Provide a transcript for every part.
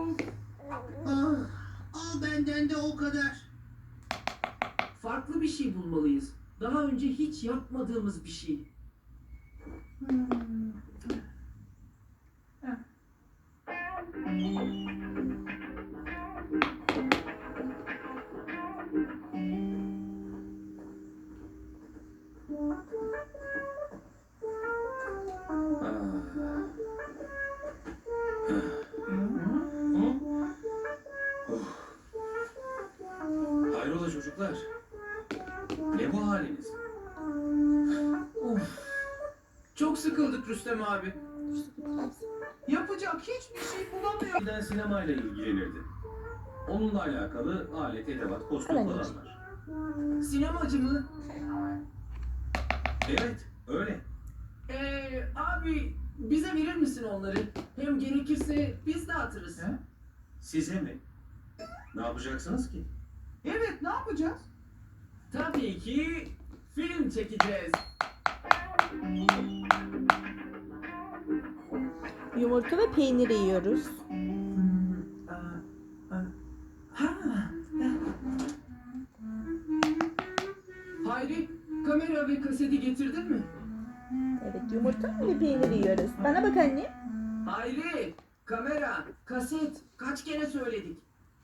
Ah, al benden de o kadar. Farklı bir şey bulmalıyız. Daha önce hiç yapmadığımız bir şey. Hayrola çocuklar? Ne bu haliniz? Çok sıkıldık Rüstem abi. Yapacak hiçbir şey bulamıyor. Eskiden sinemayla ilgilenirdi. Onunla alakalı alet, edevat, kostüm falan var. Sinemacı mı? Evet, öyle. Abi bize verir misin onları? Hem gerekirse biz dağıtırız. Size mi? Ne yapacaksınız ki? Evet, ne yapacağız? Tabii ki film çekeceğiz. Yumurta ve peynir yiyoruz. Hayri, kamera ve kaseti getirdin mi? Evet, yumurta ve peynir yiyoruz. Bana bak anne. Hayri, kamera, kaset kaç kere söyledik?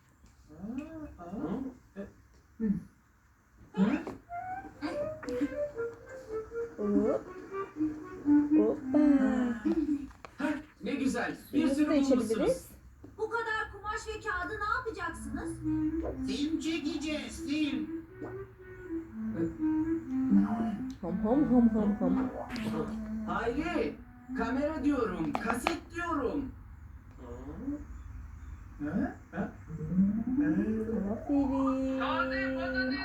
Hop. Hoppa. Heh, ne güzel. Bir Suyumuzu sürü da bulmuşsunuz. içebiliriz. Bu kadar kumaş ve kağıdı ne yapacaksınız? Film çekeceğiz, film. Hom hom hom hom hom. Hayri, kamera diyorum, kaset diyorum. Aferin.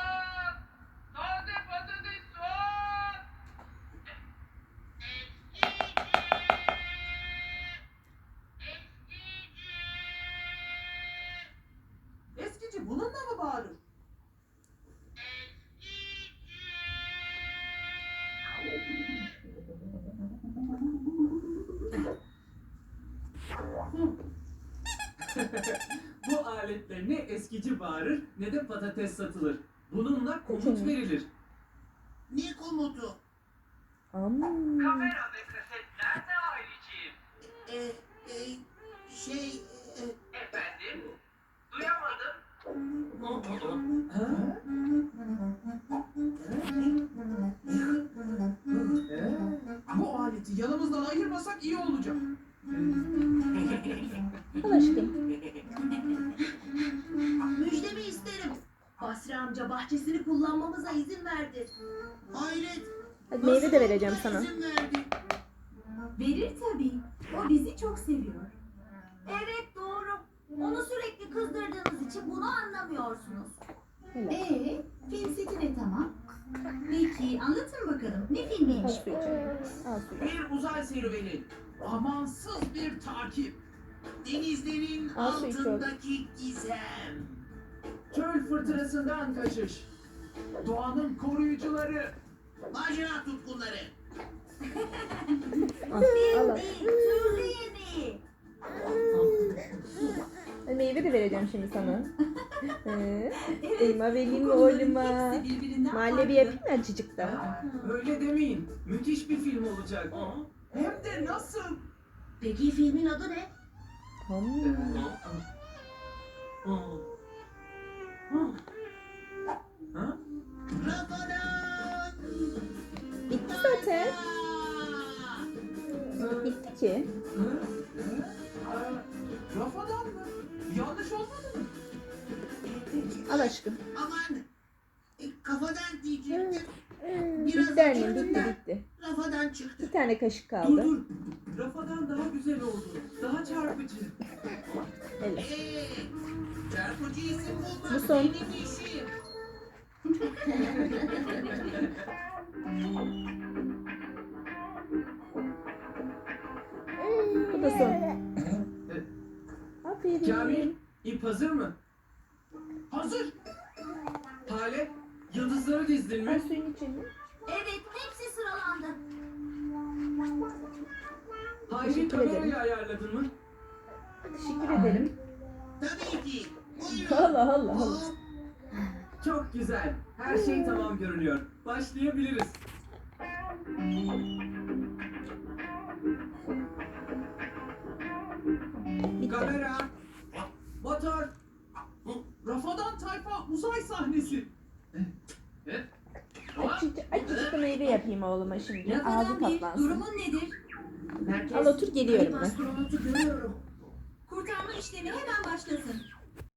Eskici bununla mı bağırır? Bu aletle ne eskici bağırır ne de patates satılır. Bununla komut verilir. Ne komutu? Am. Kamera ve kaset nerede Hayriciğim? E, e, şey... Efendim? Duyamadım. Bu aleti yanımızdan ayırmasak iyi olacak. Al aşkım. Müjdemi isterim. Basri amca bahçesini kullanmamıza izin verdi. Hayret. Hadi meyve de nasıl vereceğim ona sana. izin verdi? Verir tabii. O bizi çok seviyor. Evet doğru. Onu sürekli kızdırdığınız için bunu anlamıyorsunuz. Helal. Film seti de tamam. Peki anlatın bakalım. Ne Al filmiymiş suyu canım. Al suyu. Bir uzay serüveni. Amansız bir takip. Denizlerin Al su iç oğlum. altındaki gizem. Çöl fırtınasından kaçış. Doğanın koruyucuları. Macera tutkunları. Al al. Al. Türlü yeni. Hadi meyve de vereceğim şimdi sana. Elma vereyim mi oğluma? Mahalle bir yapayım mı azıcık da? Öyle demeyin. Müthiş bir film olacak. Hem de nasıl? Peki filmin adı ne? Ha? Rafadan. Bitti zaten. Bitti ki. Rafadan mı? Yanlış olmadı mı? Al aşkım. Aman. Kafadan diyecektim. Biraz Bitti annem, acıktım bitti da bitti. Rafadan çıktı. Bir tane kaşık Dur kaldı. dur. Rafadan daha güzel oldu. Daha çarpıcı. Helal. Çarpıcı isim bulmak Bu son. benim işim. Bu da son. Kamil, Aferin. ip hazır mı? Hazır. Hale, yıldızları dizdin Al mi? suyun içini. Evet hepsi sıralandı. Hayri Teşekkür kamerayı ederim. ayarladın mı? Teşekkür ederim. Tabii ki. Buyurun. Allah Allah Allah. Hop. Çok güzel. Her şey tamam görünüyor. Başlayabiliriz. Bitti. Kamera. Motor. Rafadan Tayfa uzay sahnesi. Açıcık meyve yapayım oğluma şimdi. Ağzı Rafadan bir, patlansın. durumun nedir? Al otur, geliyorum ben. Astronotu görüyorum. Kurtarma işlemi hemen başlasın.